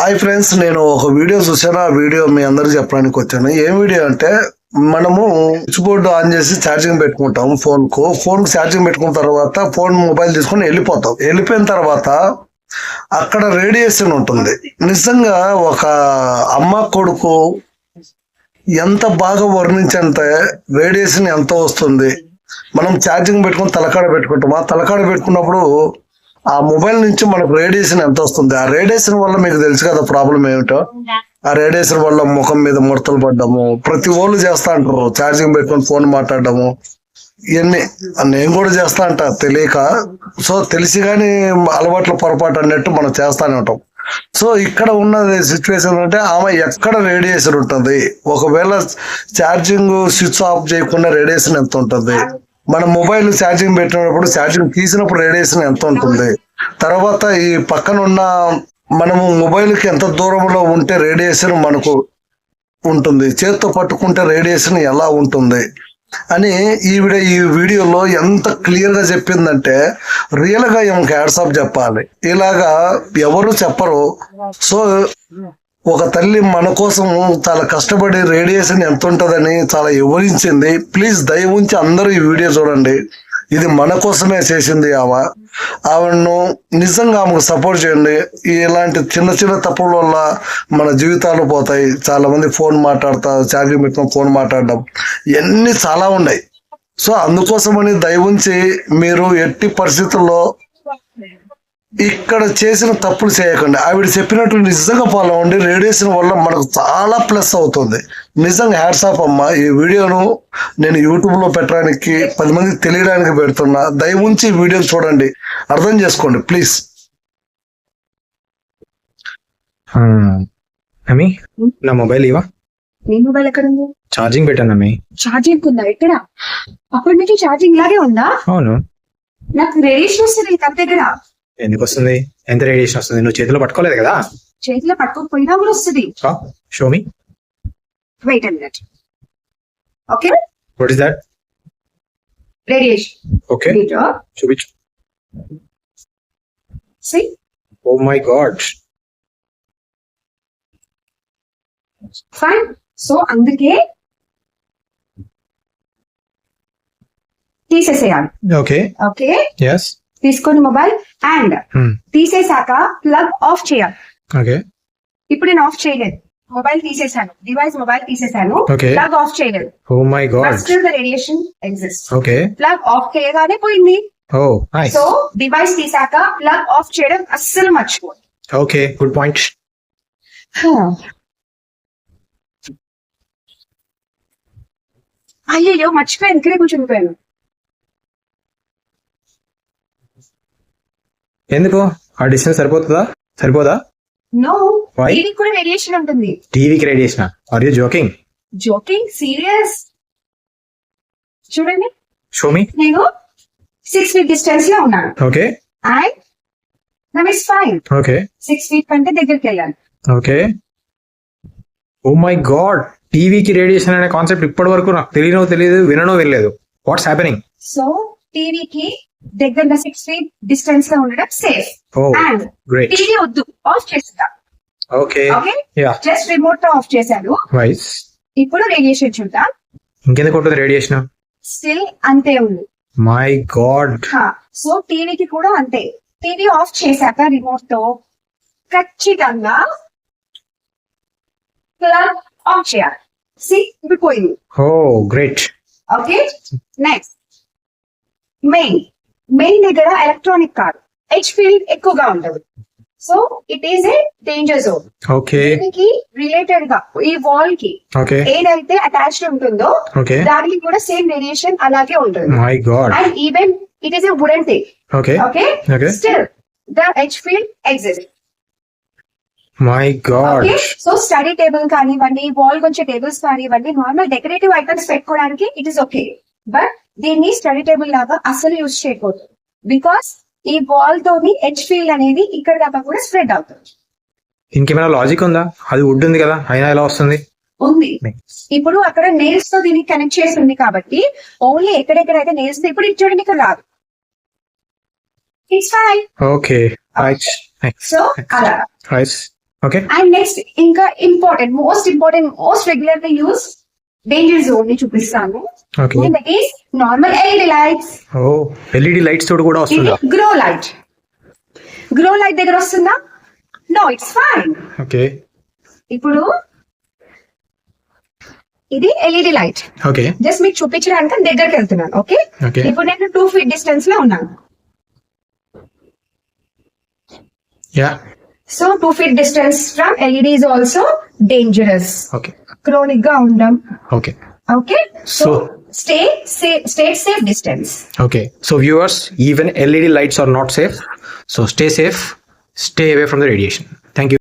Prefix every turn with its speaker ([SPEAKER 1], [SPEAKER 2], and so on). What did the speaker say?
[SPEAKER 1] Hi friends, నేను ఒక video చూసాను. ఆ వీడియో మీ అందరికి చెప్పడానికి వచ్చాను. ఏం వీడియో అంటే, మనము స్విచ్ బోర్డు ఆన్ చేసి ఛార్జింగ్ పెట్టుకుంటాం. ఫోన్ ఛార్జింగ్ పెట్టుకున్న తర్వాత మొబైల్ తీసుకొని వెళ్ళిపోతాం. వెళ్ళిపోయిన తర్వాత అక్కడ రేడియేషన్ ఉంటుంది. నిజంగా ఒక అమ్మ కొడుకు ఎంత బాగా వర్ణించంటే రేడియేషన్ ఎంత వస్తుంది. మనం ఛార్జింగ్ పెట్టుకుని తలకాడ పెట్టుకుంటాం. ఆ తలకాడ పెట్టుకున్నప్పుడు ఆ మొబైల్ నుంచి మనకు రేడియేషన్ ఎంత వస్తుంది. ఆ రేడియేషన్ వల్ల మీకు తెలుసు కదా ప్రాబ్లం ఏమిటో. ఆ రేడియేషన్ వల్ల ముఖం మీద ముడతలు పడ్డము ప్రతి వాళ్ళు చేస్తా అంటారు. ఛార్జింగ్ పెట్టుకొని ఫోన్ మాట్లాడము ఇవన్నీ నేను కూడా చేస్తా అంట తెలియక. సో తెలిసి కానీ అలవాట్ల పొరపాటు అన్నట్టు మనం చేస్తానే ఉంటాం. సో ఇక్కడ ఉన్న సిచ్యువేషన్ అంటే ఆమె ఎక్కడ రేడియేషన్ ఉంటుంది, ఒకవేళ ఛార్జింగ్ స్విచ్ ఆఫ్ చేయకుండా రేడియేషన్ ఎంత ఉంటుంది, మన మొబైల్ ఛార్జింగ్ పెట్టినప్పుడు ఛార్జింగ్ తీసినప్పుడు రేడియేషన్ ఎంత ఉంటుంది, తర్వాత ఈ పక్కన ఉన్న మనము మొబైల్కి ఎంత దూరంలో ఉంటే రేడియేషన్ మనకు ఉంటుంది, చేత్తో పట్టుకుంటే రేడియేషన్ ఎలా ఉంటుంది అని ఈ వీడియోలో ఎంత క్లియర్ గా చెప్పిందంటే రియల్ గా ఏమో హ్యాట్స్ ఆఫ్ చెప్పాలి. ఇలాగా ఎవరు చెప్పరు. సో ఒక తల్లి మన కోసం చాలా కష్టపడి రేడియేషన్ ఎంత ఉంటుందని చాలా వివరించింది. ప్లీజ్ దయ ఉంచి అందరూ ఈ వీడియో చూడండి. ఇది మన కోసమే చేసింది ఆవిడను నిజంగా ఆమెకు సపోర్ట్ చేయండి. ఇలాంటి చిన్న చిన్న తప్పుల వల్ల మన జీవితాలు పోతాయి. చాలా మంది ఫోన్ మాట్లాడతారు, ఛార్జింగ్ పెట్టుకుని ఫోన్ మాట్లాడడం ఇవన్నీ చాలా ఉన్నాయి. సో అందుకోసమని దయ ఉంచి మీరు ఎట్టి పరిస్థితుల్లో ఇక్కడ చేసిన తప్పులు చేయకండి. ఆవిడ చెప్పినట్టు నిజంగా ఫాలో అవ్వండి. రేడియేషన్ వల్ల మనకు చాలా ప్లస్ అవుతుంది. నిజంగా హ్యాట్స్ ఆఫ్ అమ్మా. ఈ వీడియోను నేను యూట్యూబ్ లో పెట్టడానికి 10 మందికి తెలియడానికి పెడుతున్నా. దయ ఉంచి ఈ వీడియోని చూడండి, అర్థం చేసుకోండి ప్లీజ్.
[SPEAKER 2] అమ్మి నా మొబైల్ ఇవా.
[SPEAKER 3] నీ మొబైల్ ఎక్కడ ఉంది?
[SPEAKER 2] ఛార్జింగ్ పెట్టాను అమ్మి.
[SPEAKER 3] ఛార్జింగ్ ఉందా? ఎక్కడ? అప్పటి నుంచి ఛార్జింగ్ లాగే ఉందా?
[SPEAKER 2] అవును.
[SPEAKER 3] నాకు రేడియేషన్ వస్తుంది తన దగ్గర.
[SPEAKER 2] ఎందుకు వస్తుంది? ఎంత రేడియేషన్ వస్తుంది? నువ్వు చేతిలో పట్టుకోలేదు కదా.
[SPEAKER 3] చేతిలో పట్టుకోకపోయినా కూడా వస్తుంది.
[SPEAKER 2] Show me.
[SPEAKER 3] Wait a minute. Okay,
[SPEAKER 2] what is that?
[SPEAKER 3] Radiation.
[SPEAKER 2] Okay, చూపించు.
[SPEAKER 3] See?
[SPEAKER 2] Oh my god.
[SPEAKER 3] Fine. So అందుకే తీసేసేయాలి.
[SPEAKER 2] Okay
[SPEAKER 3] okay,
[SPEAKER 2] yes.
[SPEAKER 3] తీసుకొని మొబైల్ అండ్ తీసేసాక ప్లగ్ ఆఫ్ చేయాలి.
[SPEAKER 2] ఓకే,
[SPEAKER 3] ఇప్పుడు నేను ఆఫ్ చేయలేదు, మొబైల్ తీసేసాను, మొబైల్ తీసేసాను,
[SPEAKER 2] Okay.
[SPEAKER 3] ప్లగ్ ఆఫ్ చేయలేదు.
[SPEAKER 2] Oh my god.
[SPEAKER 3] Still the radiation exist.
[SPEAKER 2] Okay,
[SPEAKER 3] plug off చేయగానే పోయింది.
[SPEAKER 2] Oh nice.
[SPEAKER 3] సో డివైస్ తీసాక ప్లగ్ ఆఫ్ చేయడం అస్సలు మర్చిపోదు.
[SPEAKER 2] Okay, good point.
[SPEAKER 3] అయ్యో మర్చిపోయాను, ఇక్కడే కూర్చుండిపోయాను.
[SPEAKER 2] ఎందుకు? ఆ డిస్టెన్స్ సరిపోదా?
[SPEAKER 3] No,
[SPEAKER 2] Why?
[SPEAKER 3] టీవీకి కూడా రేడియేషన్ ఉంటుంది.
[SPEAKER 2] టీవీకి radiation? Are you joking?
[SPEAKER 3] Joking? Serious. చూడండి,
[SPEAKER 2] షో మీ.
[SPEAKER 3] నేను 6 feet డిస్టెన్స్ లో ఉన్నాను
[SPEAKER 2] okay,
[SPEAKER 3] and now it's fine.
[SPEAKER 2] Okay,
[SPEAKER 3] 6 feet కంటే దగ్గరికి వెళ్ళాను.
[SPEAKER 2] ఓకే. ఓ మై గాడ్, టీవీకి రేడియేషన్ అనే కాన్సెప్ట్ ఇప్పటి వరకు నాకు తెలియదు, వినలేదు. What's happening?
[SPEAKER 3] సో టీవీకి దగ్గరగా 6 feet డిస్టెన్స్ లో ఉండడం safe.
[SPEAKER 2] Oh
[SPEAKER 3] and
[SPEAKER 2] great.
[SPEAKER 3] TV వద్దు, ఆఫ్ చేస్తా.
[SPEAKER 2] Okay,
[SPEAKER 3] okay,
[SPEAKER 2] ya,
[SPEAKER 3] just remote తో ఆఫ్ చేశాను.
[SPEAKER 2] వైస్.
[SPEAKER 3] ఇప్పుడు రేడియేషన్ చూద్దాం.
[SPEAKER 2] ఇంకెందుకు ఉంటుంది రేడియేషన్?
[SPEAKER 3] స్టిల్ అంతే ఉంది.
[SPEAKER 2] My God.
[SPEAKER 3] సో టీవీకి కూడా అంతే. టీవీ ఆఫ్ చేశాక రిమోట్ తో ఖచ్చితంగా ప్లగ్ ఆఫ్ చేయాలి. సి, ఇప్పుడు పోయింది.
[SPEAKER 2] Oh great.
[SPEAKER 3] Okay, next main దగ్గర ఎలక్ట్రానిక్ కాదు, హెచ్ ఫీల్డ్ ఎక్కువగా ఉండదు. So it is a danger zone.
[SPEAKER 2] Okay,
[SPEAKER 3] దీనికి రిలేటెడ్ గా ఈ వాల్ కి
[SPEAKER 2] ఓకే,
[SPEAKER 3] ఏదైతే అటాచ్డ్ ఉంటుందో
[SPEAKER 2] ఓకే.
[SPEAKER 3] దానికి కూడా సేమ్ రేడియేషన్ అలాగే ఉంటుంది.
[SPEAKER 2] My god.
[SPEAKER 3] And even it is a wooden thing.
[SPEAKER 2] Okay,
[SPEAKER 3] okay,
[SPEAKER 2] okay.
[SPEAKER 3] Still the H field exist.
[SPEAKER 2] My god.
[SPEAKER 3] Okay, so study table కానివ్వండి, వాల్ కొంచెం టేబుల్స్ కానివ్వండి, నార్మల్ డెకరేటివ్ ఐటమ్స్ పెట్టుకోవడానికి it is okay. But దీన్ని study table లాగా అసలు use చేయకూడదు. Because ఈ wall తోని హెచ్ ఫీల్డ్ అనేది ఇక్కడ దాకా కూడా స్ప్రెడ్ అవుతుంది.
[SPEAKER 2] ఇంకేమైనా లాజిక్ ఉందా? అది వుడ్ ఉంది కదా, అయినా ఎలా వస్తుంది?
[SPEAKER 3] ఉంది. ఇప్పుడు అక్కడ నెయిల్స్ తో దీనికి కనెక్ట్ చేసి ఉంది కాబట్టి ఓన్లీ ఎక్కడెక్కడైతే నెయిల్స్ ఇప్పుడు ఇది చూడండి, ఇక్కడ రాదు. It's fine.
[SPEAKER 2] Okay, right.
[SPEAKER 3] So అలా
[SPEAKER 2] రైట్. ఓకే
[SPEAKER 3] అండ్ నెక్స్ట్ ఇంకా most regularly use danger zone ని చూపిస్తాను.
[SPEAKER 2] Okay
[SPEAKER 3] that is normal LED lights.
[SPEAKER 2] Oh LED lights తోడు కూడా
[SPEAKER 3] ఇది
[SPEAKER 2] వస్తుందా?
[SPEAKER 3] గ్రో లైట్ దగ్గర వస్తుందా? No, it's fine.
[SPEAKER 2] ఓకే
[SPEAKER 3] ఇప్పుడు ఇది ఎల్ఈడి లైట్.
[SPEAKER 2] ఓకే
[SPEAKER 3] జస్ట్ మీకు చూపించడానికి దగ్గరికి వెళ్తున్నాను. ఓకే,
[SPEAKER 2] ఓకే
[SPEAKER 3] ఇప్పుడు నేను 2 feet డిస్టెన్స్ లో ఉన్నాను.
[SPEAKER 2] Ya
[SPEAKER 3] so 2 feet distance from LED is also dangerous.
[SPEAKER 2] Okay
[SPEAKER 3] chronic గా ఉండం.
[SPEAKER 2] Okay
[SPEAKER 3] okay, so
[SPEAKER 2] So-
[SPEAKER 3] stay safe distance.
[SPEAKER 2] Okay, so viewers, even LED lights are not safe. So stay safe, stay away from the radiation.